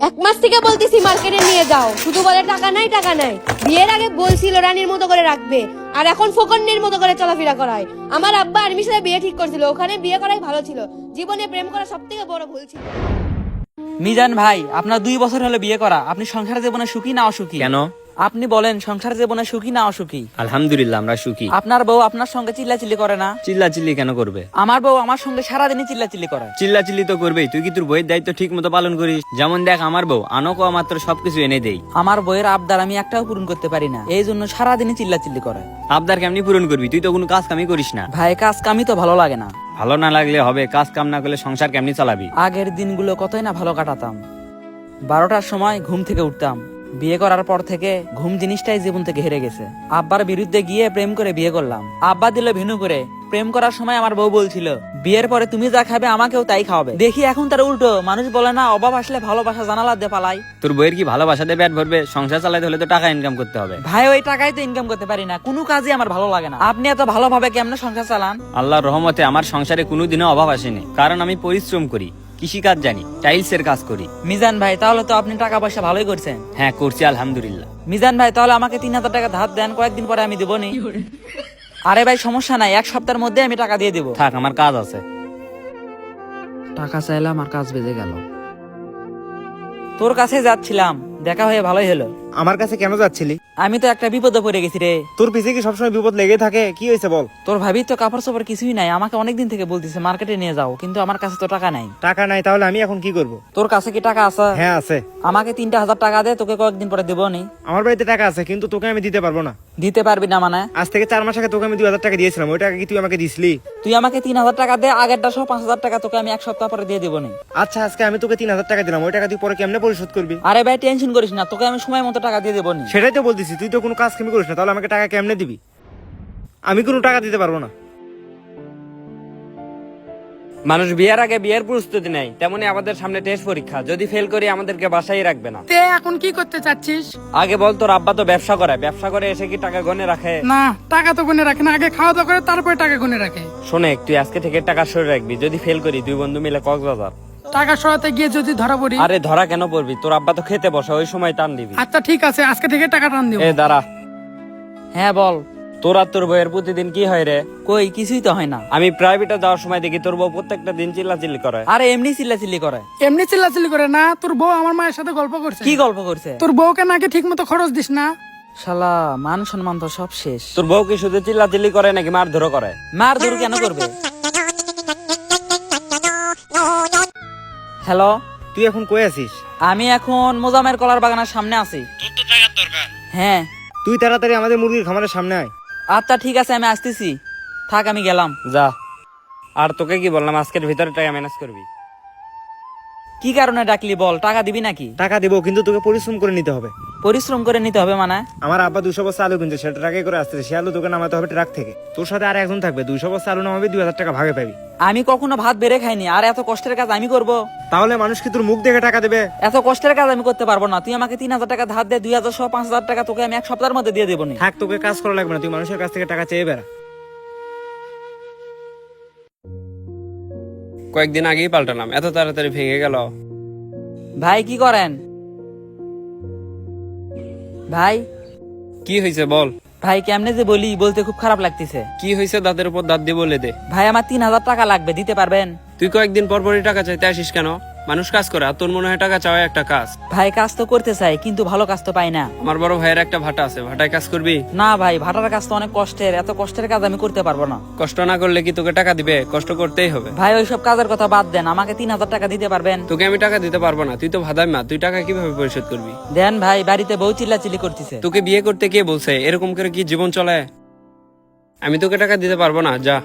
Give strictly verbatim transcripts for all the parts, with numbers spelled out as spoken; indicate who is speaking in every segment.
Speaker 1: এক মাস থেকে বলতেছি মার্কেটে নিয়ে যাও, শুধু বলে টাকা নাই টাকা নাই। বিয়ের আগে বলছিল রানীর মতো করে রাখবে, আর এখন ফকন্নির মতো করে চলাফেরা করায়। আমার আব্বা আর্মির সাথে বিয়ে ঠিক করছিল, ওখানে বিয়ে করাই ভালো ছিল। জীবনে প্রেম করা সব থেকে বড় ভুল ছিল।
Speaker 2: মিজান ভাই, আপনার দুই বছর হলো বিয়ে করা, আপনি সংসার জীবনে সুখী না অসুখী?
Speaker 3: কেন?
Speaker 2: আপনি বলেন সংসার জীবনে সুখী না অসুখী?
Speaker 3: আলহামদুলিল্লাহ আমরা সুখী।
Speaker 2: আপনার বউ আপনার সঙ্গে চিল্লাচিল্লি করে না?
Speaker 3: চিল্লাচিল্লি কেন করবে?
Speaker 2: আমার বউ আমার সঙ্গে সারাদিনই চিল্লাচিল্লি করে।
Speaker 3: চিল্লাচিল্লি তো করবেই, তুই কি তোর বইয়ের দায়িত্ব ঠিক মতো পালন করিস? যেমন দেখ আমার বউ আনকো মাত্র সবকিছু এনে দেই।
Speaker 2: আমার বউয়ের আবদার আমি একটাও পূরণ করতে পারি না, এই জন্য সারাদিনই চিল্লাচিল্লি করে।
Speaker 3: আবদার কেমনি পূরণ করবি? তুই তো কোনো কাজ কামই করিস না।
Speaker 2: ভাই কাজ কামই তো ভালো লাগে না।
Speaker 3: ভালো না লাগলে হবে? কাজ কাম না করলে সংসার কেমনি চালাবি?
Speaker 2: আগের দিনগুলো কতই না ভালো কাটাতাম। বারোটার সময় ঘুম থেকে উঠতাম। বিয়ে করার পর থেকে ঘুম জিনিসটাই জীবন থেকে হেরে গেছে। আব্বার বিরুদ্ধে গিয়ে প্রেম করে বিয়ে করলাম। আব্বা দিল ভিনু করে। প্রেম করার সময় আমার বউ বলছিল বিয়ের পরে তুমি যা খাবে আমাকেও তাই খাওয়াবে। দেখি এখন তার উল্টো, মানুষ বলে না অভাব আসলে ভালোবাসা জানালা দিয়ে পালাই।
Speaker 3: তোর বইয়ের কি ভালোবাসা দিয়ে পেট ভরবে? সংসার চালাতে হলে তো টাকা ইনকাম করতে হবে।
Speaker 2: ভাই ওই টাকাই তো ইনকাম করতে পারি না, কোনো কাজই আমার ভালো লাগে না। আপনি এত ভালোভাবে কেমনে সংসার চালান?
Speaker 3: আল্লাহর রহমতে আমার সংসারে কোনোদিনও অভাব আসেনি, কারণ আমি পরিশ্রম করি, কৃষিকাজ জানি, টাইলসের কাজ করি।
Speaker 2: মিজান ভাই, তাহলে তো আপনি টাকা পয়সা ভালোই করছেন।
Speaker 3: হ্যাঁ করছি আলহামদুলিল্লাহ।
Speaker 2: মিজান ভাই, তাহলে আমাকে তিন হাজার টাকা ধার দেন, কয়েকদিন পরে আমি দেবো নি। আরে ভাই সমস্যা নাই, এক সপ্তাহের মধ্যে আমি টাকা দিয়ে দেবো।
Speaker 3: থাক, আমার কাজ আছে।
Speaker 2: টাকা চাইলাম আর কাজ বেজে গেল। তোর কাছে যাচ্ছিলাম, দেখা হয়ে ভালোই হলো।
Speaker 4: আমার কাছে কেন যাচ্ছিলি?
Speaker 2: আমি তো একটা বিপদে পড়ে গেছি রে।
Speaker 4: তোর পিছে কি সবসময় বিপদ লেগে থাকে? কি হয়েছে বল?
Speaker 2: তোর ভাবি তো কাপড় চোপড় কিছুই নাই, আমাকে অনেকদিন থেকে বলতেছে মার্কেটে নিয়ে যাও, কিন্তু আমার কাছে তো টাকা নাই।
Speaker 4: টাকা নাই? তাহলে আমি এখন কি করব?
Speaker 2: তোর কাছে কি টাকা আছে?
Speaker 4: হ্যাঁ আছে।
Speaker 2: আমাকে তিনটা হাজার টাকা দে, তোকে কয়েকদিন পরে দেবো নি।
Speaker 4: আমার বাড়িতে টাকা আছে, কিন্তু তোকে আমি দিতে পারবো না।
Speaker 2: দিতে পারবি না মানে?
Speaker 4: আজ থেকে চার মাস আগে তোকে আমি দুই হাজার টাকা দিয়েছিলাম, ওই টাকা কি তুই আমাকে দিসলি?
Speaker 2: তুই আমাকে তিন হাজার টাকা দে, আগেরটা সহ পাঁচ হাজার টাকা তোকে আমি এক সপ্তাহ পরে দিয়ে দেবো নি।
Speaker 4: আচ্ছা আজকে আমি তোকে তিন হাজার টাকা দিলাম, ওই টাকা তুই পরে কেমনে পরিশোধ করবি?
Speaker 2: আরে ভাই টেনশন করিস না, তোকে আমি সময় মতো টাকা দিয়ে দেবো নি।
Speaker 4: সেটাই তো বলতেছি, তুই তো কোনো কাজ কামি করিস না, তাহলে আমাকে টাকা কেমনে দিবি? আমি কোনো টাকা দিতে পারবো না।
Speaker 3: মানুষ বিয়ের আগে বিয়ের প্রস্তুতি নেয়, তেমনি আমাদের সামনে টেস্ট পরীক্ষা। যদি ফেল করি আমাদেরকে বাসায় রাখবে না।
Speaker 5: তে এখন কি করতে চাচ্ছিস?
Speaker 3: আগে বল, তোর আব্বা তো ব্যবসা করে, ব্যবসা করে এসে কি টাকা গনে রাখে?
Speaker 5: না, টাকা তো গুনে রাখে না, আগে খাওয়া দাওয়া করে তারপরে টাকা গুনে রাখে।
Speaker 3: শোনে, তুই আজকে থেকে টাকা সরে রাখবি। যদি ফেল করি দুই বন্ধু মিলে কক্সবাজার।
Speaker 5: টাকা সরাতে গিয়ে যদি ধরা পড়ি?
Speaker 3: আরে ধরা কেন পড়বি? তোর আব্বা তো খেতে বসে, ওই সময় টান দিবি।
Speaker 5: আচ্ছা ঠিক আছে, আজকে থেকে টাকা টান দিব।
Speaker 3: এ দাঁড়া,
Speaker 2: হ্যাঁ বল।
Speaker 3: তোর আর তোর বউয়ের প্রতিদিন কি হয় রে?
Speaker 2: কই কিছুই তো হয় না।
Speaker 3: আমি প্রাইভেটে যাওয়ার সময় দেখি তোর বউ প্রত্যেকটা দিন চিল্লাচিল্লি করে।
Speaker 2: আরে এমনি চিল্লাচিল্লি করে।
Speaker 5: এমনি চিল্লাচিল্লি করে না, তোর বউ আমার মায়ের সাথে গল্প করছে।
Speaker 2: কি গল্প করছে?
Speaker 5: তোর বউকে নাকি ঠিক মতো খরচ দিস না।
Speaker 2: শালা মান সম্মান তো সব শেষ।
Speaker 3: তোর বউ কি শুধু চিল্লাচিল্লি করে নাকি মারধরও করে?
Speaker 2: মার ধর কেন করবে? হ্যালো,
Speaker 4: তুই এখন কই আছিস?
Speaker 2: আমি এখন মোজামের কলার বাগানের সামনে আছি।
Speaker 3: তোর তো টাকার দরকার।
Speaker 2: হ্যাঁ
Speaker 4: তুই তাড়াতাড়ি আমাদের মুরগির খামারের সামনে আয়।
Speaker 2: আচ্ছা ঠিক আছে, আমি আসতেছি। থাক আমি গেলাম।
Speaker 3: যা। আর তোকে কি বললাম, আজকের ভিতরে টাকা ম্যানেজ করবি।
Speaker 2: কি কারণে ডাকলি বল, টাকা দিবি নাকি?
Speaker 4: টাকা দেবো, কিন্তু তোকে পরিশ্রম করে নিতে হবে।
Speaker 2: পরিশ্রম করে নিতে হবে মানে?
Speaker 4: আমার আব্বা দুশো বস্তা আলু কিনছে, সেটা টাকা করে আসতেছে, সে আলু তোকে নামাতে হবে ট্রাক থেকে। তোর সাথে আর একজন থাকবে, দুইশো বস্তা আলু নামাবি, দুই হাজার টাকা ভাগে পাবি।
Speaker 2: আমি কখনো ভাত বেড়ে খাইনি, আর এত কষ্টের কাজ আমি করব?
Speaker 4: তাহলে মানুষ কি তোর মুখ দেখে টাকা দেবে?
Speaker 2: এত কষ্টের কাজ আমি করতে পারবো না। তুই আমাকে তিন হাজার টাকা ধার দে, দুই হাজার সহ পাঁচ হাজার টাকা তোকে আমি এক সপ্তাহের মধ্যে দিয়ে দেবো নি।
Speaker 4: থাক, তোকে কাজ করা লাগবে না, তুই মানুষের কাছ থেকে টাকা চেয়ে বেড়া।
Speaker 3: কয়েকদিন আগেই পাল্টালাম, এত তাড়াতাড়ি ভেঙে গেল।
Speaker 2: ভাই কি করেন? ভাই
Speaker 3: কি হয়েছে বল?
Speaker 2: ভাই কেমনে যে বলি, বলতে খুব খারাপ লাগতেছে।
Speaker 3: কি হয়েছে? দাঁতের উপর দাঁত দিয়ে বলে দে।
Speaker 2: ভাই আমার তিন হাজার টাকা লাগবে, দিতে পারবেন?
Speaker 3: তুই কয়েকদিন পর পরই টাকা চাইতে আসিস কেন? মানুষ কাজ করে, আর তোর মনে হয় টাকা চাওয়া একটা কাজ?
Speaker 2: ভাই কাজ তো করতে চাই, কিন্তু ভালো কাজ তো পাই না।
Speaker 3: আমার বড় ভাইয়ের একটা ভাটা আছে, ভাটায় কাজ করবি?
Speaker 2: না ভাই, ভাটার কাজ তো অনেক কষ্টের, এত কষ্টের কাজ আমি করতে পারবো না।
Speaker 3: কষ্ট না করলে কি তোকে টাকা দিবে? কষ্ট করতেই হবে।
Speaker 2: ভাই ওইসব কাজের কথা বাদ দেন, আমাকে তিন হাজার টাকা দিতে পারবেন?
Speaker 3: তোকে আমি টাকা দিতে পারবো না, তুই তো ভাদাই মা, তুই টাকা কিভাবে পরিশোধ করবি?
Speaker 2: দেন ভাই, বাড়িতে বউ চিল্লাচিল্লি করতেছে।
Speaker 3: তোকে বিয়ে করতে কে বলছে? এরকম করে কি জীবন চলে? আমি তোকে টাকা দিতে পারবো না, যা।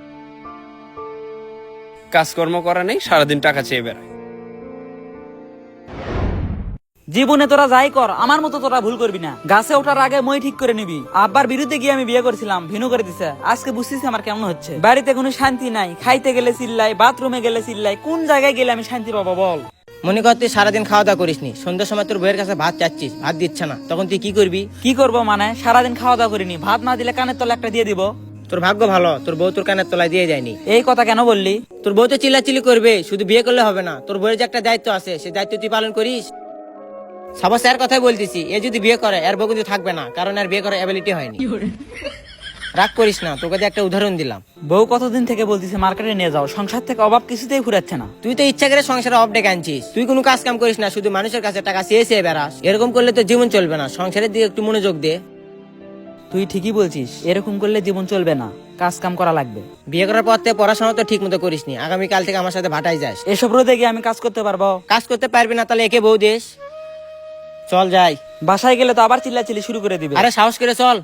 Speaker 3: কাজকর্ম করা নেই, সারাদিন টাকা চেয়ে বেড়ায়।
Speaker 2: জীবনে তোরা যাই কর, আমার মতো তোরা ভুল করবি না। গাছে ওঠার আগে মই ঠিক করে নিবি। আব্বার বিরুদ্ধে গিয়ে আমি বিয়ে করেছিলাম, ভিনু করে দিছে। আজকে বুঝতেছি আমার কেমন হচ্ছে। বাড়িতে কোনো শান্তি নাই, খাইতে গেলে চিল্লাই, বাথরুমে গেলে চিল্লাই। কোন জায়গায় গেলে আমি শান্তি পাবো বল?
Speaker 6: মনে কর তুই সারাদিন খাওয়া দাওয়া করিসনি, সন্ধ্যার সময় তোর বইয়ের কাছে ভাত চাচ্ছিস, ভাত দিচ্ছে না, তখন তুই কি করবি?
Speaker 2: কি করবো মানে? সারাদিন খাওয়া দাওয়া করিনি, ভাত না দিলে কানের তলে একটা দিয়ে দিব।
Speaker 6: তোর ভাগ্য ভালো, তোর বউ তোর কানের তলায় দিয়ে যায়নি।
Speaker 2: এই কথা কেন বললি?
Speaker 6: তোর বউ তো চিল্লাচিল্লি করবে, শুধু বিয়ে করলে হবে না, তোর বইয়ের যে একটা দায়িত্ব আছে, সেই দায়িত্ব তুই পালন করিস। সবার স্যার কথাই বলতেছি, এ যদি বিয়ে করে এর বউ কিন্তু থাকবে না, কারণ এর বিয়ে করার অ্যাবিলিটি হয়নি। রাগ করিস না, তোকে দিয়ে একটা উদাহরণ দিলাম।
Speaker 2: বউ কতদিন থেকে বলতেছে মার্কেটে নিয়ে যাও, সংসার থেকে অভাব কিছুতেই ফুরাচ্ছে না।
Speaker 6: তুই তো ইচ্ছা করে সংসারে অফ ডেকে আনছিস, তুই কোনো কাজ কাম করিস না, শুধু মানুষের কাছে টাকা চেয়ে চেয়ে বেড়াস। এরকম করলে তো জীবন চলবে না, সংসারের দিকে একটু মনোযোগ দে।
Speaker 2: তুই ঠিকই বলছিস, এরকম করলে জীবন চলবে না, কাজ কাম করা লাগবে।
Speaker 6: বিয়ে করার পর থেকে পড়াশোনা তো ঠিক মতো করিসনি, আগামীকাল থেকে আমার সাথে ভাটাই যাস।
Speaker 2: এসব রোদে গিয়ে আমি কাজ করতে পারবো?
Speaker 6: কাজ করতে পারবি না তাহলে একে বউ দেশ। চল যাই।
Speaker 2: বাসায় গেলে তো আবার চিল্লাচিল্লি শুরু করে দিবে।
Speaker 6: আরে সাহস করে চল।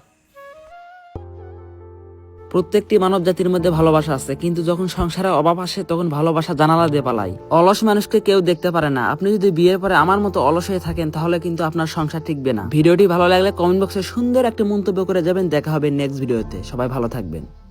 Speaker 2: প্রত্যেকটি মানব জাতির মধ্যে ভালোবাসা আছে, কিন্তু যখন সংসারে অভাব আসে তখন ভালোবাসা জানালা দিয়ে পালাই। অলস মানুষকে কেউ দেখতে পারে না। আপনি যদি বিয়ের পরে আমার মতো অলস হয়ে থাকেন তাহলে কিন্তু আপনার সংসার টিকবে না। ভিডিওটি ভালো লাগলে কমেন্ট বক্সে সুন্দর একটা মন্তব্য করে যাবেন। দেখা হবে নেক্সট ভিডিওতে। সবাই ভালো থাকবেন।